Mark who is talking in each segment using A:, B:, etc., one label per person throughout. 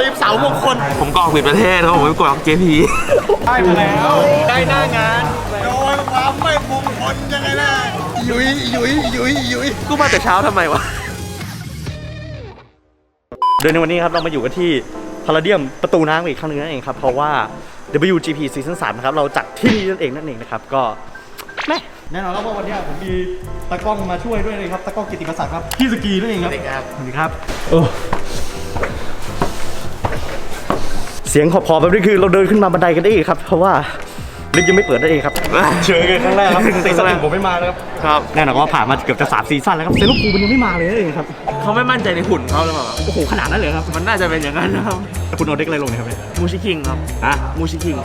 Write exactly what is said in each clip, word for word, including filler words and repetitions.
A: ตีมเสามงคล
B: ผมกรอกผิดประเทศครับผมไปกรอก เจ พี
A: ได้มาแล้วได้หน้างานโดนความไม่มงคลยังไงล่ะยุยยุยยุยยุย
B: กูมาแต่เช้าทำไมวะ
A: โดยในวันนี้ครับเรามาอยู่กันที่พาราเดียมประตูน้ำอีกครั้งนึงนั่นเองครับเพราะว่า ดับเบิลยู จี พี ซีซั่นสามนะครับเราจัดที่นี่นั่นเองนั่นเองนะครับก็แม่แน่นอนแล้วว่าวันนี้ผมมีตากล้องมาช่วยด้วยเลยครับตากล้องกิติกศักดิ์ครับพี่สกีนั่นเองครับสวัสดีครับสวัสดีครับโอ้เสียงขอบๆแบบนี้คือเราเดินขึ้นมาบันไดกันได้อีกครับเพราะว่าลิฟต์ยังไม่เปิดนั่นเองครับเชิญกันครั้งแรกครับซีซั่นหนึ่งผมไม่มานะครับครับแน่นอนว่าผ่านมาเกือบจะสามซีซั่นแล้วครับเซลูกูมันยังไม่มาเลยนั่นเองครับ
B: เขาไม่มั่นใจในหุ่นเขาหรือเปล่า
A: โอ้โหขนาดนั้นเลยครับ
B: มันน่าจะเป็นอย่างนั้นนะครับ
A: คุณเอาเด็กอะไรลงเนี่ยครับ
B: มูชิคิงครับ
A: อ่ะ
B: มูชิคิง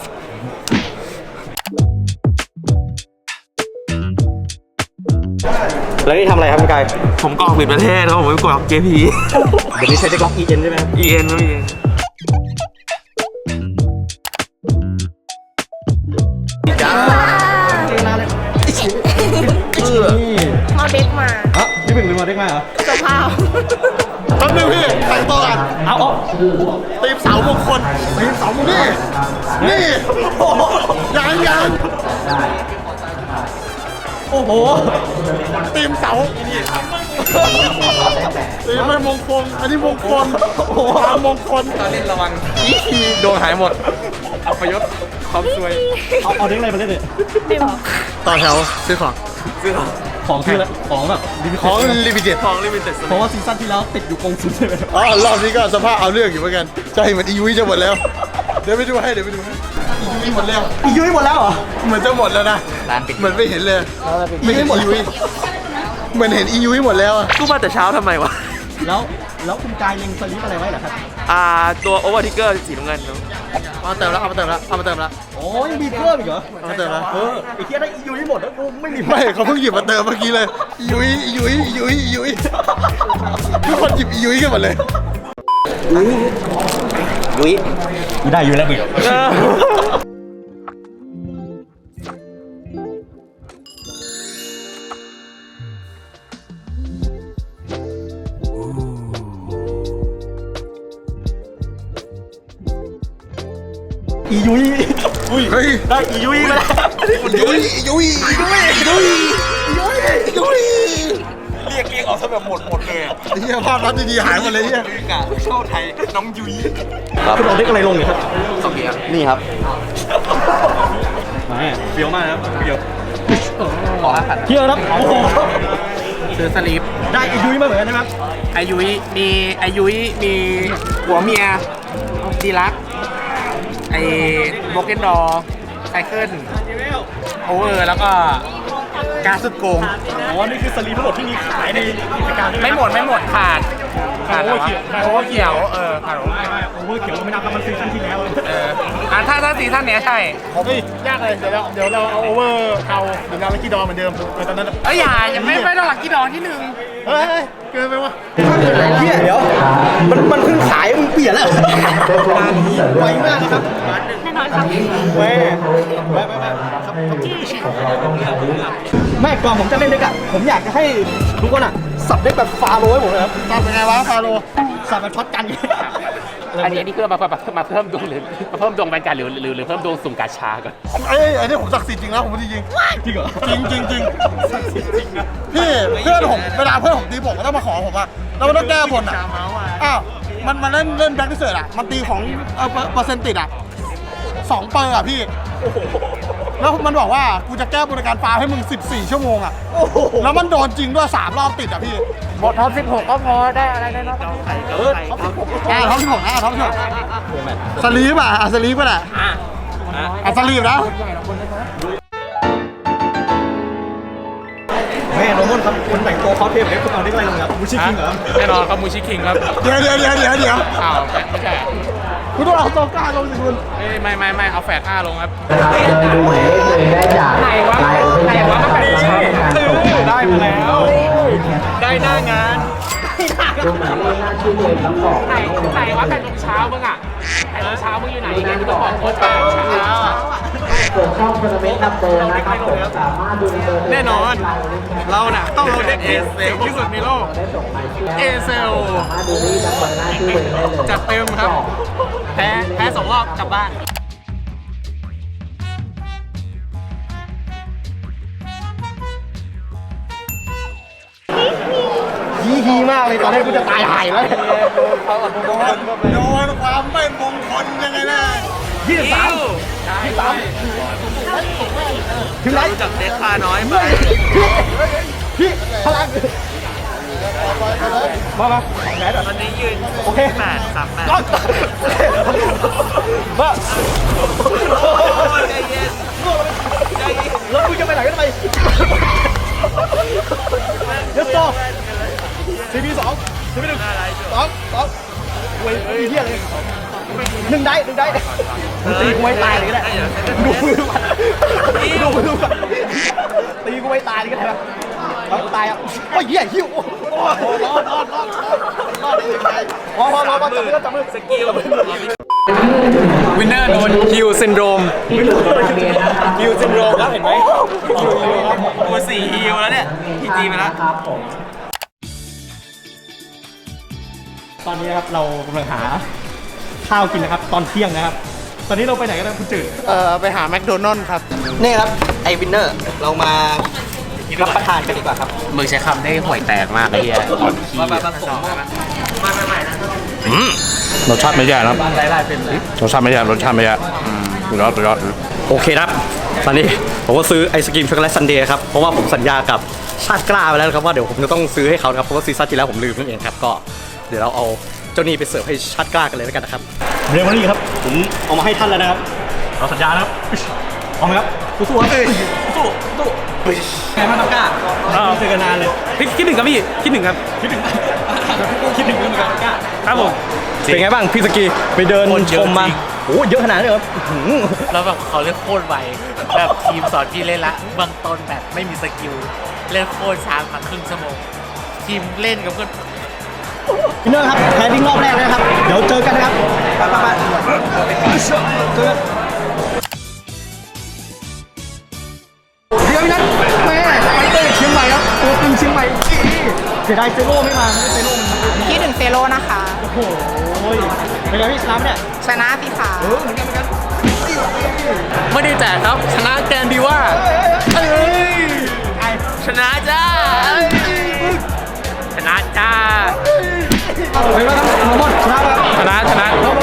A: แล้วนี่ทำอะไรครับคุณกาย
B: ผมกรอกผิดประเทศครับผมไปกรอก เจ พี
A: เดี๋ยวนี้ใช้เด็กล็อก อี เอ็น ใช่ไหม
B: อี เอ็น ไม่มี
A: จ้ามาเลย
C: เอาเด็กมา
A: อ่ะพี่เป็นหรือมาเด็กมาเหรอ
C: เจ้าภาพ
A: แป๊บนึงพี่แต่งตัวกันเอาเอาตีมเสามงคลตีมเสามงคลนี่นี่ยังยังโอ้โหตีมเสาตีมไม่มงคลอันนี้มงคลความมงคล
B: ตอนเล่นระวังอีคีโดนหายหมดอัปยศความสวย
A: เอาเอาเด็กอะไรมาเล่นเนี่ยต่อแถวซื้อของ
B: ซื้อของ
A: ของคืออะไรของแบบของลิมิเต็ด
B: ของลิมิเต็ด
A: เพราะว่าซีซั่นที่แล้วติดอยู่กองซุนใช่ไหมอ๋อรอบนี้ก็สภาพเอาเรื่องอยู่เหมือนกันใจเหมือนอียุ้ยจะหมดแล้วเดี๋ยวไปดูให้เดี๋ยวไปดูให้อียุ้ยหมดแล้วอียุ้ยหมดแล้วเหรอเหมือนจะหมดแล้วนะเหมือนไม่เห็นเลยไม่เห็นอียุ้ยเหมือนเห็นอียุ้ยหมดแล้ว
B: กูมาแต่เช้าทำไมวะ
A: แล้วแล้วคุณกายเล็งสลิปอะไรไว้เหรอครับ
B: อ่าตัวโอเวอร์ทิกเกอร์สีน้ำเงิน
A: เอามาเติมแล้วเอามาเติมแล้วเอามาเติมแล้วโอ้ยมีเพิ่มอีกเหรอเอามาเติมแล้วเออไอ้เทียได้อียุ้ยหมดแล้วกูไม่มีไม่เขาเพิ่งหยิบมาเติมเมื่อกี้เลยอียุ้ยอียุ้ยอียุ้ยอียุ้ยทุกคนหยิบอียุ้ยกันหมดเลยยุ้ยยุ้ยได้อยู่แล้วบิ๊กอียุ้ยอุ้ยเฮ้ยได้อียุ้ยแล้วยุ้ยยุ้ยยุ้ยยุ้ยยุ้ยยุ้ย
B: เรียกเรียกออกซะแบบหมดหมดเลย
A: เฮียภาพลับดีๆหายหมดเลยเฮีย
B: กะโชว์ไทยน้องยุ้ย
A: คุณเอาเด็กอะไรลงเนี่ยครับ
B: สองเกียร์
A: นี่ครับมาเฟี้ยวมากครับเฟี้ยว
B: ขอห้าพัน
A: เที่ยวครับโอ้โห
B: ซื้อสลิป
A: ได้อายุยมาเหมือนกันนะครับ
B: อายุยมีอายุยมีหัวเมียดีลักไอ้โบเกนดอไซเคิลโอเวอร์แล้วก็การสุดโกง
A: อ๋อนี่คือสลีปทั้งหมดที่มีขายในกิจการ
B: ไม่หมดไม่หมดขาดขาดโอเวอร์เขียวโอเวอร์เขียวเออขาดโอเวอร์
A: โอเวอร์เขียวไม่นับมันซีซั่นที่แล้ว
B: เอออ่ะถ้าถ้าซีซั่นเนี้ยใช่
A: เฮ้ยยากเลยเดี๋ยวเราเดี๋ยวเราเอาโอเวอร์เอาหรือนาลักกี้ดอเหมือนเดิมเหมือนตอนนั้น
B: เอ้ยอย่าอย่าไม่ไม่ต้องลักกี้ดอที่หนึ่ง
A: เฮ้ยเกินไปวะเฮียเดี๋ยวมันมันเพิ่งขายมันเปลี่ยนแล้วไวมากนะครับ
C: แน่นอนครับ
A: แม่แม่แม่แม่แม่ก่อนผมจะเล่นเด็กอะผมอยากจะให้ทุกคนอะสับเด็กแบบฟาโร่ให้ผมเลยครับสับเป็นไงวะฟาโร่สับแบบช็อตกัน
B: อันนี้อันนี้คือมามาเพิ่มดวงหรือมาเพิ่มดวงแบนการหรือหรือหรือเพิ่มดวงสุ่มกาชาก่อน
A: ไอ้ไอ้นี่ผมศักดิ์สิทธิ์จริงนะผมจริงจริงจริงเหรอจริงจริงจริงพี่เพื่อนผมเวลาเพื่อนผมตีผมก็ต้องมาขอผมอะแล้วมันต้องแก้บนอะอ้าวมันมันเล่นเล่นแบ็คดิเซอร์อะมันตีของเออเปอร์เซ็นต์ติดอะสองเปอร์อะพี่แล้วมันบอกว่ากูจะแก้บริการฟ้าให้มึงสิบสี่ชั่วโมงอะแล้วมันโดนจริงด้วยสามรอบติดอะพี่
B: หมดท็อปสิบหกก็พอได้อะไรได้เนาะ
A: เออท็อปสิบหกอ่ะท็อปสิบหกนะท็อปสิบหกสลีปอ่ะสลีปก็ได้อ่ะสลีปนะแม่น้องมนครับคนแต่งตัวคอสเพลย์คุณเอาได้อะไรลงครับมูชิคิงเหรอ
B: แน่นอนครับมูชิคิงครับ
A: เดี๋ยวเดี๋ยวเดี๋ยวเดี๋ยวเดี๋ยว
B: อ้าวไม่ใช่
A: คุณต้องเอาโซก้าลงสิคุณ
B: ไม่ไม่ไม่เอาแฟดห้าลงครับ
D: ดูหมายเลขเลยได้จาก
B: ไหนวะไหนวะมันเป็น
A: ได้มาแล้วได้หน้างาน
D: ดูหมายเลขหน้าชื่อเดิมแล้วบอก
B: ไหนไหนวะแปดโมงเช้ามึงอ่ะแปดโมงเช้ามึงอยู่ไหนเนี่ยมึงต้องบอกโค้ชแปดโมงเช้าอ่ะ
D: ส่วนช่องทัวร์นาเมนต์นัมเบอร์นะครับผมสามารถดูนัมเบอร์
B: แน่นอน เราน่ะต้องเอาเด็กเอเซลที่สุดในโลก เอเซล
D: สามารถดูที่นัมเบอร์หน้าชื่อเลยได้เลย
B: จัดเต็มครับ แพ้แพ้สองรอบกลับบ้าน
A: ฮีฮีมากเลยตอนแรกกูจะตายหายแล้วโดนโดนความไม่มงคลยังไงนะยี่สิบสามยี่สิบสามถึงไร
B: จับเด็กพาน้อยไป
A: พี่พลังมามาไหน
B: ตอนนี้ยืน
A: โอเค
B: แปดสามแปด
A: มา
B: ใจเย็นใจเย็น
A: แล้วมึงจะไปไหนกันทำไมเดี๋ยวต่อซีพีสองซีพีหนึ่งสองสองเว้ยเฮียเลยหนึ่งได้หนึ่งได้มึงตีกูไม่ตายเลยก็ได้ดูมือมันดูมือมันตีกูไม่ตายเลยก็ได้ปะแล้วตายอ่ะโอ้ยเหี้ยหิวโอ้โหรอดรอดรอดรอดได้ยังไงพอพอรอมาจับมือจับมือสกิล
B: วินเนอร์โดนฮิวซินโดรมฮิวซินโดรมครับเห็นไหมฮิวฮิวครับตัวสี่ฮิวแล้วเนี่ยพีจีไปแล้ว
D: ครับผม
A: ตอนนี้นะครับเรากำลังหาข้าวกินนะครับตอนเที่ยงนะครับ ตอนนี้เราไปไหนกันนะคุณจืด
B: เออไปหาแมคโดนัลด์ครับ
E: นี่ครับ ไอวินเนอร์ เรามารับประทานกันดีกว่าครับ
B: มึงใช้คำได้ห่วยแตกมากไอ้เหี้ยอ่อนขี้
E: มามาผม
F: อืมรสชาติไม่แย่นะครับ
B: ไล่ไล่เป็นเลย
F: รสชาติไม่แย่รสชาติไม่แย่สุดยอดสุดยอด
E: โอเคครับ ตอนนี้ผมก็ซื้อไอศกรีมช็อกโกแลตซันเดย์ครับ เพราะว่าผมสัญญากับชาติกล้าไปแล้วนะครับว่าเดี๋ยวผมจะต้องซื้อให้เขานะครับ เพราะว่าซีซั่นที่แล้วผมลืมนั่นเองครับ ก็เดี๋ยวเราเอาเจ้านี่ไปเสิร์ฟให้ชาติกล้ากันเลยแล้วกันนะครับ
A: เรียกว่านี่ครับผมเอามาให้ท่านแล้วนะครับเราสัญญานะครับเอาไหมครับสู้ๆครับสู้สู้ไงบ้างน้องกล้าไม่เจอกันนานเลย
E: คิดหนึ่งครับพี่ คิดหนึ่งครับ
A: คิดถึงคิดถึงเหมือนกันกล้า
E: ครับผม เป็นไงบ้างพี่สกีไปเดินชมมาโอ้เยอะขนาดนี้เลยครับ
B: แล้วแบบเขาเล่นโคตรไวแบบทีมสอนพี่เล่นละเบื้องต้นแบบไม่มีสกิลเล่นโคตรช้ามาครึ่งชั่วโมงทีมเล่นกับเพื่อน
A: พี่เนอร์ครับแพ้ดิ้งรอบแรกเลยนะครับเดี๋ยวเจอกันนะครับไปไปไปเจอกันเดี๋ยวนั้นแม่เต้เชียงใหม่ครับตัวตึงเชียงใหม่เสียดายเซโร่ไม่มาไม่เซโร่มัน
C: คิดถึงเซโร่นะคะ
A: โอ้โหเป็นไงพี่ชนะเนี่ย
C: ชนะสิคะ
A: เออเหมือนกันเหมือนกัน
B: ไม่ได้แจกครับชนะแกนดีว่าเอ้ยชนะจ้าชนะจ้า
A: ไปมาครับโรมอนชนะป่ะ
B: ชนะชนะ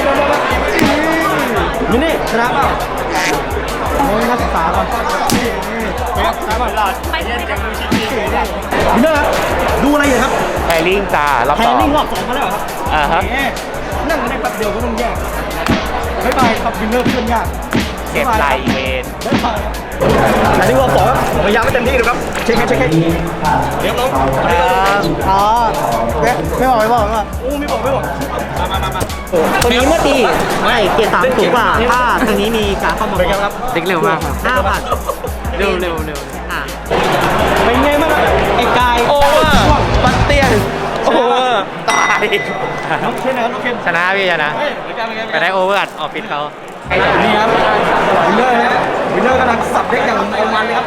A: มินี่ชนะเปล่าโอ้ยนักศึกษาก่อนไปครับชนะเปล่า
C: ไปเล่นกัน
A: มินเนอร์ครับดูอะไรอยู่ครับ
B: แพลิงจ้ารอบ
A: แพ
B: สอง
A: นิ่งรอบสองมาแล้วเหรอครับ
B: อ่าฮะ
A: แหมนั่งกันได้แป๊บเดียวก็ต้องแยกบ๊ายบายครับวินเนอร์เพื่อนยาก
B: เก็บลายเวน
A: บ๊ายบายครับอันนี้รอบสองครับพยายามให้เต็มที่นะครับเช็คให้เช็คให้เดี๋ยวน้องอ๋อไม่ไม่บอกไม่บอกไม่บอกโอ้ไม่บอกไม่บอกมามามามา
G: คนนี้เมื่อตีไม่เกียร์สามสูงกว่าถ้าทางนี้มีการเข้ามา
A: เป็นไงครับ
B: เด็กเร็วมาก
G: ห้าพัน
B: เร็วเร็วเร็ว
G: อ่ะ
A: เป็นไงบ้างครับไอ้กาย
B: โอเวอร์บัตเตียนโอเวอร์ตาย
A: น้องเคนนะครับน้องเคน
B: ชนะพี่ชนะ
A: เฮ้ยเป็นไงเป็นไง
B: ไปได้โอเวอร์อัดออฟฟิศเขา
A: นี่ครับวินเนอร์ฮะวินเนอร์กำลังสับเด็กอย่างเอามันเลยครับ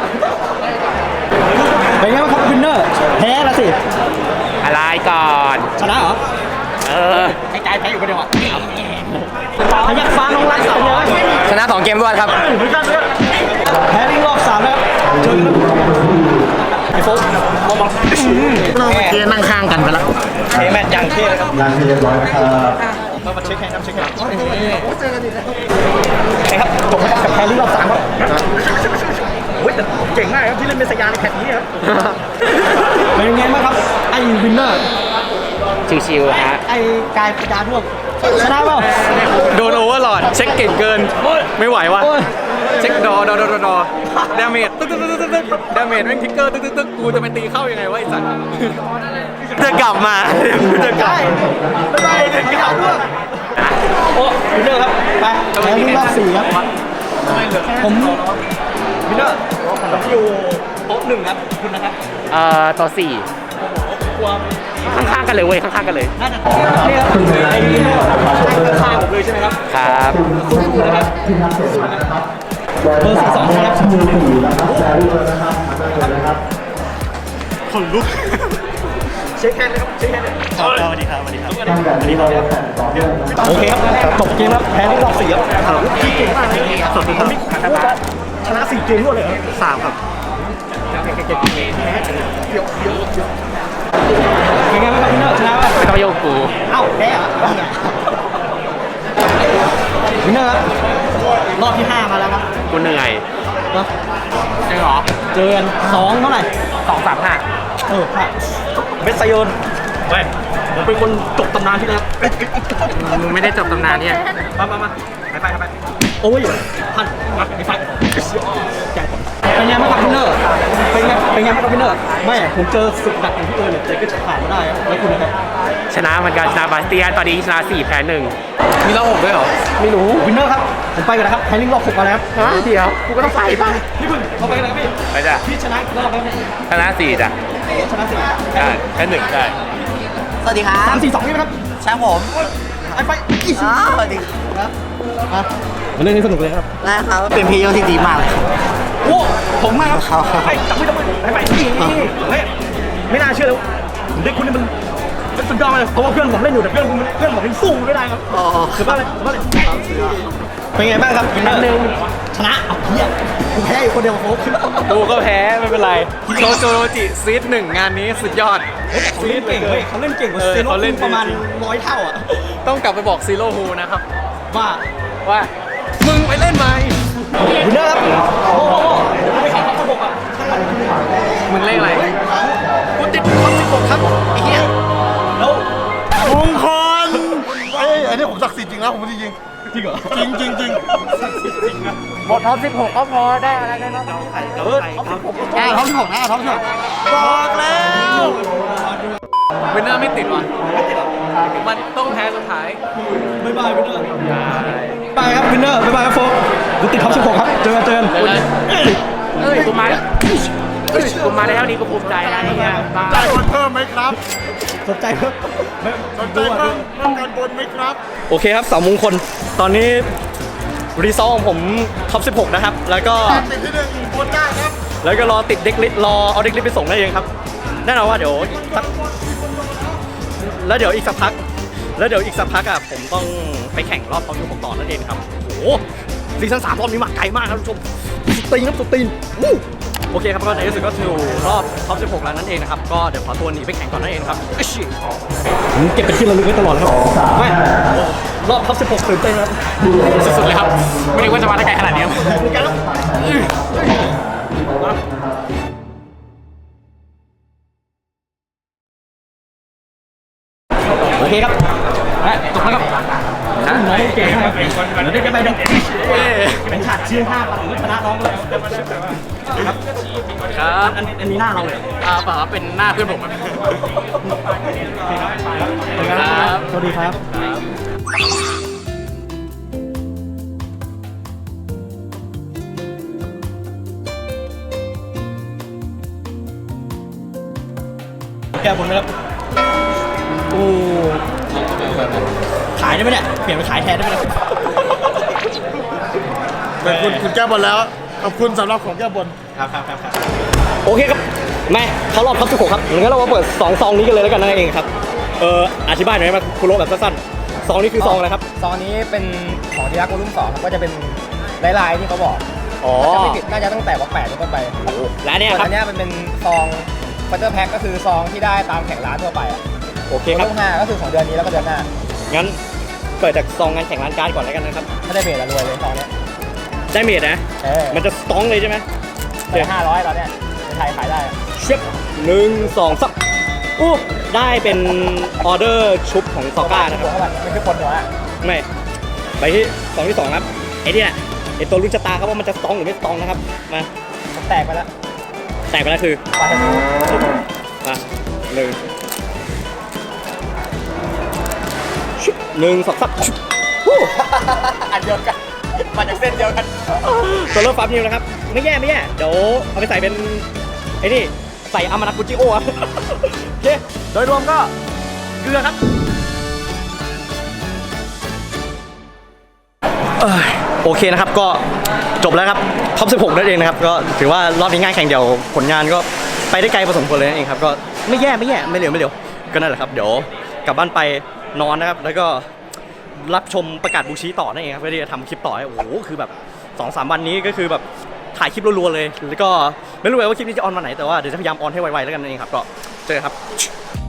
A: เป็นไงบ้างครับวินเนอร์แพ้ละสิ
B: อะไรก่อน
A: ชนะเหรอ
B: เออ
A: ไอ้กายแพ้อยู่คนเดียวอ่ะพยักฟ้าน้องรักสาวเลย
B: ชนะสองเกมรวดครับ
A: เหมือนกันเลยแพ้ลิงรอบสามแล้วเจอกันไอ้โฟกมองมอง
B: เมื่อกี้นั่งข้างกันไปแล้ว
A: เทแมทยังเท่เลยครับ
D: งานที่เรียบร้อยครับ
A: เรามาเช็คแฮนด์ครับเช็คแฮนด์เจอกันดีนะครับจบกับแพ้ลิงรอบสามครับโอ้ยแต่เก่งมากครับที่เล่นเป็นสยามในแพทนี้ครับเป็นยังไงบ้างครับไอ้วินเนอร์
B: ชิวๆฮะ
A: ไอ้กายพยาร่วมชนะเปล่า
E: โดนโอเวอร์หลอดเช็คเก่งเกิน ไม่ไหววะ
A: โอ้ย
E: เช็คดอดอดอดอดอดาเมจตึ๊กตึ๊กตึ๊กตึ๊กตึ๊กดาเมจแม่งทิกเกอร์ตึ๊กตึ๊กตึ๊กกูจะไปตีเข้ายังไงวะไอ้สัตว์จะกลับมาจะกลับ
A: ได้ไม่ได้เด็กกาวร่วมโอ้วินเนอร์ครับไปแพ้ลิงรอบสี่ครับผมวินเนอร์ผมอยู่โต๊ะหนึ่งครับคุณนะครับ
B: เอ่อต่อสี่
A: กลัว
B: ข้างๆกันเลยเว้ยข้างๆกันเลย
A: น่าจะนี่ครับไอ้นี่ข้างๆผมเลยใช่ไหมครับ
B: ครับ
A: สู้ๆนะครับ
D: เบอร์สี่สองนะครับมือสี่นะครับแซรี่เลยนะครับมาเลยนะครับ
E: คนลุกเช็คแฮนด์เลยครับเช็คแฮนด์เลยสวัสดีครับสวัสดีครับ
D: ตั้งแต่นี้เราแข่งต่อเนื่องนะครับ
E: โอเคครับจบเกมครับแพ้ที่รอบสี่ครับถามพี่เก่งมากเลยสวัสดีครับชนะสี่เกมรวดเลยเหรอสามครับเป็นไงบ้างครับพี่เนอร์ชนะป่ะ
B: ไม่ต้องโยกกู
E: เอ้าแพ้เหรอพี่เนอร์ครับรอบที่ห้ามาแล้วครับ
B: กูเหนื่อย
E: เนอะ
B: จริงเหรอ
E: เจอกันสองเท่าไหร่
B: สองสามห้า
E: เออค่ะเบสไซโยนเว้ยผมเป็นคนจบตำนานที่แล้ว
B: มึงไม่ได้จบตำนานเนี่ย
E: มามามาไปไปไปโอ้ยพันมาไปไปแจกผมเป็นไงบ้างครับพี่เนอร์เป็นไงเป็นไงบ้างครับพี่เนอร์ไม่ผมเจอศึกหนักของพี่เอิญเนี่ยแต่ก็จะผ่านมาได้ครับแล้วคุณนะครับ
B: ชนะเหมือนกันชนะบาสเตียนตอนนี้ชนะสี่แพ้หนึ่ง
E: มีรอบหกด้วยเหรอไม่รู้วินเนอร์ครับผมไปกันนะครับแพนนิ่งรอบหกมาแล้ว
B: ฮะเดี๋ยวกูก็ต้องไปป่ะ
E: พี่พึ่งเราไปกันนะครับพี่
B: ไปจ้ะ
E: พี่ชนะกี่รอบแล้วเนี่ย
B: ชนะสี่จ้ะ
E: ชนะสี่
B: ใช่แพ้หนึ่งใช่
G: สวัสดีครับ
E: สามสี่สองใช่ไหมครับ
G: แชมป์ผม
E: ไอ้ไปอีก
G: อ๋อสวัสดีครับ
E: มามาเล่นให้สนุกเลยครับ
G: ได้ครับ เป็นพี่โยที่ดีมากเลยครับ
E: โอ้ผมมากครับ
G: ครับ
E: ไปจับไม่จับไม่ไปไปนี่เฮ้ยไม่น่าเชื่อเลยเด็กคุณนี่มันเป็นสุดยอดเลยเพราะว่าเพื่อนผมเล่นอยู่แต่เพื่อนผมเพื่อนผมยังสู้ไม่ได้ครับ
G: อ๋อ
E: ถือว่าอะไรถือว่าอะไรเป็นไงบ้างครับวินเนอร์หนึ่งชนะเอาเฮียกูแพ้อยู่คนเดียวโค้ช
F: กูก็แพ้ไม่เป็นไรโชโจโรจิซีดหนึ่งงานนี้สุดยอด
E: เขาเล่นเก่งเว้ยเขาเล่นเก่งกว่า
F: เออ
E: เซโร่
F: เขาเล่น
E: ประมาณร้อยเท่าอ่ะ
F: ต้องกลับไปบอกซีโร่ฮูนะครับ
E: ว่า
F: ว่า มึงไปเล่นไหม
E: วินเนอร์ครับโอ้โหไม่ขายครับระบบอ่ะ
F: มึงเล่นอะไร กูติดคอนสิบหกครับไอ้เหี้ย
E: แล้ว
A: มงคลเอ้ยอันนี้ผมศักดิ์สิทธิ์จริงนะผมพูดจริง
E: จริงเหรอ
A: จริงจริงจริง
B: หมดท็อปสิบหกก็พอได้อะไรได้เนาะ
E: เออเอาสิผม
A: อ่าท้องที่หกนะท้องที่หกบอกแล้ว
F: วินเนอร์ไม่ติดว่ะมันต้องแพ้สุดท้าย
E: บ๊ายบายวินเนอร์บายครับวินเนอร์บ๊ายบายครับโฟกกูติดท็อปสิบหกครับเจอกันเจอกัน
B: เอ้ยกูมากูมาได้เท่านี้กูภูมิใจแล้วไอ้เงี้ยบ้า
A: จ่ายคนเพิ่มไหมครับ
E: สนใจเพิ่มไม่
A: สนใจเพิ่มเพิ่มการบนไหมครับ
E: โอเคครับสามมงคลตอนนี้รีซอลของผมท็อปสิบหกนะครับแล้วก็
A: ติดที่หนึ่งบนได้ครับ
E: แล้วก็รอติดเด็กลิสต์รอเอาเด็กลิสต์ไปส่งได้เองครับแน่นอนว่าเดี๋ยวอีกสักแล้วเดี๋ยวอีกสักพัก แล้วเดี๋ยวอีกสักพักอ่ะผมต้องไปแข่งรอบท็อปสิบหกต่อนั่นเองครับโอ้โหซีซั่นสามรอบนี้มาไกลมากครับทุกชมสุดตีนครับสุดตีนวู้โอเคครับก็ในที่สุดก็ถึงรอบท็อปสิบหกแล้วนั่นเองนะครับก็เดี๋ยวขอตัวหนีไปแข่งก่อนนั่นเองครับเอ้ยผมเก็บเป็นที่ระลึกไว้ตลอดเลยครับไม่รอบท็อปสิบหกตื่นเต้นครับ
F: สุดๆเลยครับ ไม่นึกว่าจะมาได้ไกลขนาดนี้ครับ
E: โอเคครับจบแล้วครับน้องเก่งครับเดี๋ยวได้ไปเดี๋ยวเป็นฉากชื่อห้าปันชนะน้องเลยครับ
F: ครับ
E: อันนี้อันนี้หน้าเราเลย
F: อ่าเปล่าครับเป็นหน้าเพื่อนผมครับ
E: ครับ สวัสดีครับ แก้บนไหมครับโอ้ขายได้ไหมเนี่ย เปลี่ยนไปขายแทนได้ไหมเนี่ย
A: แต่คุณคุณแก้บนแล้วขอบคุณสำหรับของแก้บน
E: ครับครับครับโอเคครับแม่เขารอบท็อปสิบหกครับงั้นเรามาเปิดสองซองนี้กันเลยแล้วกันนั่นเองครับ เอออธิบายหน่อยไหมคุณโรแบบสั้นๆซองนี้คือซองอะไรครับ
B: ซองนี้เป็นของที่รักวอลุ่มสองครับก็จะเป็นลายๆที่เขาบอก
E: อ๋อ
B: จะไม่ผิดน่าจะตั้งแต่วอล์กแปดเป็นต้นไป
E: และเนี่ย
B: ส่วน
E: ครับ
B: อันเนี้ยมันเป็นซองฟัตเตอร์แพ็คก็คือซองที่ได้ตามแข่งร้านทั่วไปอ่ะ
E: โอเค
B: วอ
E: ครับ
B: ลุ่มห้าก็คือของเดือนนี้แล้วก็เดือนหน้า
E: งั้นเปิดจากซองงานแข่งร้านการ์ดก่อนแล้วกันนะครับ
B: ถ้าได้เบรดละรวยเลยซองเนี้ย
E: ได้เมดนะ
B: เออ
E: มันจะสตองเลยใช่ไหม
B: แต่ห้าร้อยตอนเนี้ยในไทยขายได้อะ
E: เชิบหนึ่งสองสักอู้ได้เป็นออเดอร์ชุบของซอก้านะครับ
B: หัวเขาแบบไม่ใช่คนหัวอะ
E: ไม่ไปที่ซองที่สองครับไอ้นี่แหละไอ้ตัวลุ้นชะตาครับว่ามันจะสตองหรือไม่สตองนะครับมา
B: ผมแตกไปแล้ว
E: แตกไปแล้วคือ
B: ปาเทนู
E: อ่ะหนึ่งชุบหนึ่งสองสักชุบวู้
B: อันเดียวกันมาจากเส้นเดียวกัน
E: ตัวเลือกฟาร์มนิวนะครับ ไม่แย่ไม่แย่เดี๋ยวเอาไปใส่เป็นไอ้นี่ใส่อามานากุจิโออะ โอเคโดยรวมก็เกลือครับเอ้ยโอเคนะครับก็จบแล้วครับท็อปสิบหกนั่นเองนะครับก็ถือว่ารอบนี้ง่ายแข่งเดียวผลงานก็ไปได้ไกลพอสมควรเลยนั่นเองครับก็ไม่แย่ไม่แย่ไม่เร็วไม่เร็วก็นั่นแหละครับเดี๋ยวกลับบ้านไปนอนนะครับแล้วก็รับชมประกาศบูชีต่อนั่นเองครับเพื่อที่จะทำคลิปต่อให้โอ้โหคือแบบสองสามวันนี้ก็คือแบบถ่ายคลิปรัวๆเลยแล้วก็ไม่รู้เลยว่าคลิปนี้จะออนวันไหนแต่ว่าเดี๋ยวจะพยายามออนให้ไวๆแล้วกันนั่นเองครับก็เจอกันครับ